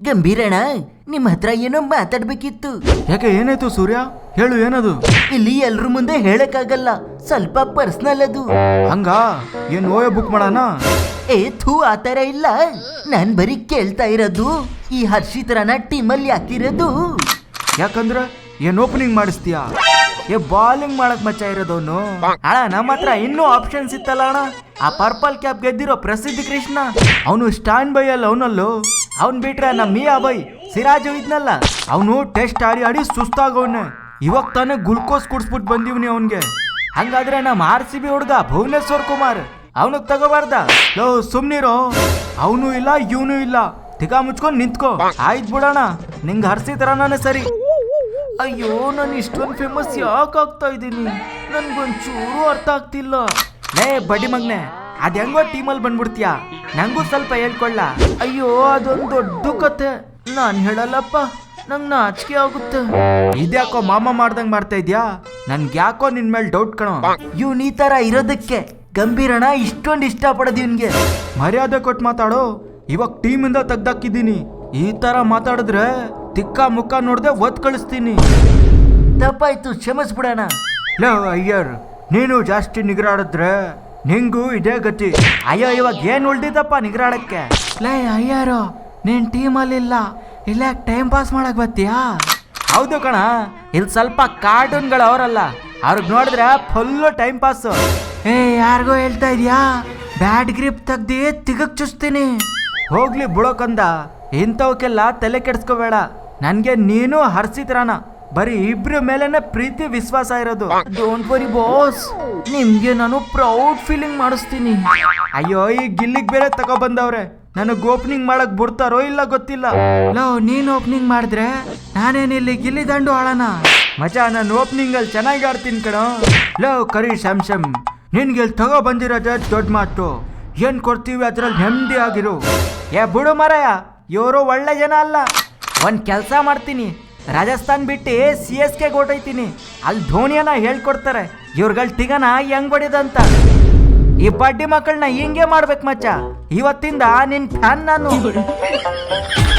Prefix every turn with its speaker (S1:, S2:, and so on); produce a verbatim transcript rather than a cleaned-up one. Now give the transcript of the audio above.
S1: ಗಂಭೀರಣ್ಣ, ನಿಮ್ ಹತ್ರ ಏನೋ ಮಾತಾಡ್ಬೇಕಿತ್ತು.
S2: ಯಾಕೆ, ಏನಾಯ್ತು ಸೂರ್ಯ? ಹೇಳು, ಏನದು?
S1: ಇಲ್ಲಿ ಎಲ್ರ ಮುಂದೆ ಹೇಳಕ್ಕಾಗಲ್ಲ, ಸ್ವಲ್ಪ ಪರ್ಸನಲ್ ಅದು.
S2: ಹಂಗ ಏನ್ ಓಯೋ ಬುಕ್ ಮಾಡೋಣ?
S1: ಏ ಥೂ, ಆತರ ಇಲ್ಲ. ನಾನ್ ಬರೀ ಕೇಳ್ತಾ ಇರೋದು, ಈ ಹರ್ಷಿತ್ರನ ಟೀಮಲ್ಲಿ ಹಾಕಿರೋದು.
S2: ಯಾಕಂದ್ರೆ ಏನ್ ಓಪನಿಂಗ್ ಮಾಡಿಸ್ತೀಯಾ? ಏ ಬಾಲಿಂಗ್ ಮಾಡಕ್ ಮಚ್ಚ ಇರೋದವನು. ಅಣ್ಣ, ನಮ್ಮ ಹತ್ರ ಇನ್ನೂ ಆಪ್ಷನ್ಸ್ ಇತ್ತಲ್ಲ ಅಣ್ಣ. ಆ ಪರ್ಪಲ್ ಕ್ಯಾಪ್ ಗೆದ್ದಿರೋ ಪ್ರಸಿದ್ಧ ಕೃಷ್ಣ, ಅವನು ಸ್ಟ್ಯಾಂಡ್ ಬೈ ಅಲ್ಲ ಅವನಲ್ಲೂ. ಅವ್ನ್ ಬಿಟ್ರೆ ನಮ್ಮ ಮಿಯಾ ಬೈ ಸಿರಾಜು ಇದ್ನಲ್ಲ, ಅವನು ಟೆಸ್ಟ್ ಆಡಿ ಆಡಿ ಸುಸ್ತಾಗವನೆ. ಇವಾಗ ತಾನೇ ಗ್ಲುಕೋಸ್ ಕುಡ್ಸ್ಬಿಟ್ಟು ಬಂದಿವ್ನಿ ಅವನ್ಗೆ. ಹಂಗಾದ್ರೆ ನಮ್ಮ ಆರ್ ಸಿ ಬಿ ಹುಡ್ಗ ಭುವನೇಶ್ವರ್ ಕುಮಾರ್, ಅವನಿಗೆ ತಗೋಬಾರ್ದ? ಲೋ ಸುಮ್ನಿರೋ, ಅವನು ಇಲ್ಲ ಇವನು ಇಲ್ಲ, ತಿಗಾ ಮುಚ್ಕೊಂಡ್ ನಿಂತ್ಕೋ. ಆಯ್ತು ಬಿಡೋಣ, ನಿಂಗೆ ಹರ್ಸಿದ್ರನೇ ಸರಿ. ಅಯ್ಯೋ, ನಾನು ಇಷ್ಟೊಂದು ಫೇಮಸ್ ಯಾಕೆ ಆಗ್ತಾ ಇದ್ದೀನಿ? ನನ್ಗೊಂಚೂರು ಅರ್ಥ ಆಗ್ತಿಲ್ಲ. ಲೇ ಬಡ್ಡಿ ಮಗ್ನೆ, ಅದ್ ಹೆಂಗೋ ಟೀಮಲ್ಲಿ ಬಂದ್ಬಿಡ್ತೀಯಾ? ನಂಗೂ ಸ್ವಲ್ಪ ಹೇಳ್ಕೊಳ್ಳ. ಅಯ್ಯೋ, ಅದೊಂದು ದೊಡ್ಡ ಕತೆ, ನಾನ್ ಹೇಳಲ್ಲಪ್ಪ, ನಂಗೆ ನಾಚಿಕೆ ಆಗುತ್ತೆ. ಇದ್ಯಾಕೋ ಮಾಮ ಮಾಡ್ದಂಗ್ ಮಾಡ್ತಾ ಇದ್ಯಾ? ನನ್ಗೆ ಯಾಕೋ ನಿನ್ ಮೇಲೆ ಡೌಟ್ ಕಣೋ.
S1: ಇವ್ನ ಈ ತರ ಇರೋದಕ್ಕೆ ಗಂಭೀರಣ್ಣ ಇಷ್ಟೊಂದು ಇಷ್ಟ ಪಡೋದು ಇವ್ನಿಗೆ.
S2: ಮರ್ಯಾದೆ ಕೊಟ್ಟು ಮಾತಾಡೋ. ಇವಾಗ ಟೀಮಿಂದ ತೆಗ್ದಾಕಿದ್ದೀನಿ. ಈ ತರ ಮಾತಾಡಿದ್ರೆ ತಿಕ್ಕ ಮುಖ ನೋಡ್ದೆ ಒದ್ ಕಳಿಸ್ತೀನಿ.
S1: ತಪ್ಪಾಯ್ತು, ಕ್ಷಮಿಸ್ಬಿಡೋಣ.
S2: ಲೋ ಅಯ್ಯರ್, ನೀನು ಜಾಸ್ತಿ ನಿಗ್ರಾಡಿದ್ರೆ ನಿಂಗೂ ಇದೇ ಗತಿ. ಅಯ್ಯೋ, ಇವಾಗ ಏನ್ ಉಳ್ದಿದ್ದಪ್ಪ ನಿಗ್ರಾಡಕ್ಕೆ? ಲೇ ಅಯ್ಯಾರು, ನೀನ್ ಟೀಮಲ್ಲಿಲ್ಲ, ಇಲ್ಲ ಟೈಮ್ ಪಾಸ್ ಮಾಡಕ್ ಬರ್ತೀಯಾ? ಹೌದು ಕಣ, ಇಲ್ಲಿ ಸ್ವಲ್ಪ ಕಾರ್ಟೂನ್ಗಳು ಅವರಲ್ಲ, ಅವ್ರಿಗೆ ನೋಡಿದ್ರೆ ಫುಲ್ಲು ಟೈಮ್ ಪಾಸ್. ಏ ಯಾರಿಗೋ ಹೇಳ್ತಾ ಇದೀಯಾ? ಬ್ಯಾಡ್ ಗ್ರಿಪ್ ತೆಗ್ದಿ ತಿಗಕ್ ಚುಸ್ತೀನಿ. ಹೋಗ್ಲಿ ಬಿಡೋಕಂದ, ಇಂಥವಕ್ಕೆಲ್ಲ ತಲೆ ಕೆಡ್ಸ್ಕೋಬೇಡ. ನನ್ಗೆ ನೀನು ಹರ್ಸಿದ್ರಾನ, ಬರೀ ಇಬ್ರ ಮೇಲೆನೆ ಪ್ರೀತಿ ವಿಶ್ವಾಸ ಇರೋದು.
S1: ಡೋಂಟ್ ವರಿ ಬಾಸ್, ನಿಮ್ಗೆ ನಾನು ಪ್ರೌಡ್ ಫೀಲಿಂಗ್ ಮಾಡಿಸ್ತೀನಿ.
S2: ಅಯ್ಯೋ, ಈ ಗಿಲ್ಲಿಗ್ ಬೇರೆ ತಗೋ ಬಂದವ್ರೆ, ನನಗ್ ಓಪನಿಂಗ್ ಮಾಡಕ್ ಬಿಡ್ತಾರೋ ಇಲ್ಲ ಗೊತ್ತಿಲ್ಲ. ಲೋ, ನೀನ್ ಓಪನಿಂಗ್ ಮಾಡಿದ್ರೆ ನಾನೇನಿಲ್ಲಿ ಗಿಲ್ಲಿ ದಂಡು ಆಳೋಣ? ಮಜಾ, ನಾನು ಓಪನಿಂಗ್ ಅಲ್ಲಿ ಚೆನ್ನಾಗಿ ಆಡ್ತೀನಿ ಕಣೋ. ಲೋ ಕರಿ ಸ್ಯಾಮ್ಸಮ್, ನಿನ್ಗೆ ಇಲ್ಲಿ ತಗೋ ಬಂದಿರೋದೇ ದೊಡ್ಡ ಮಾತು. ಏನ್ ಕೊಡ್ತೀವಿ ಅದ್ರಲ್ಲಿ ನೆಮ್ಮದಿ ಆಗಿರು. ಏ ಬಿಡು ಮರಯ್ಯ, ಇವರು ಒಳ್ಳೆ ಜನ ಅಲ್ಲ. ಒಂದ್ ಕೆಲಸ ಮಾಡ್ತೀನಿ, ರಾಜಸ್ಥಾನ್ ಬಿಟ್ಟು ಸಿ ಎಸ್ ಕೆ ಹೊಟ್ಟೈತೀನಿ. ಅಲ್ಲಿ ಧೋನಿಯನ್ನ ಹೇಳ್ಕೊಡ್ತಾರೆ ಇವ್ರಗಳ ಟಿಗನ ಹೆಂಗ್ ಹೊಡಿದಂತ. ಈ ಬಡ್ಡಿ ಮಕ್ಕಳನ್ನ ಹಿಂಗೆ ಮಾಡ್ಬೇಕು ಮಚ್ಚ. ಇವತ್ತಿಂದ ನಿನ್ ಫ್ಯಾನ್ ನಾನು.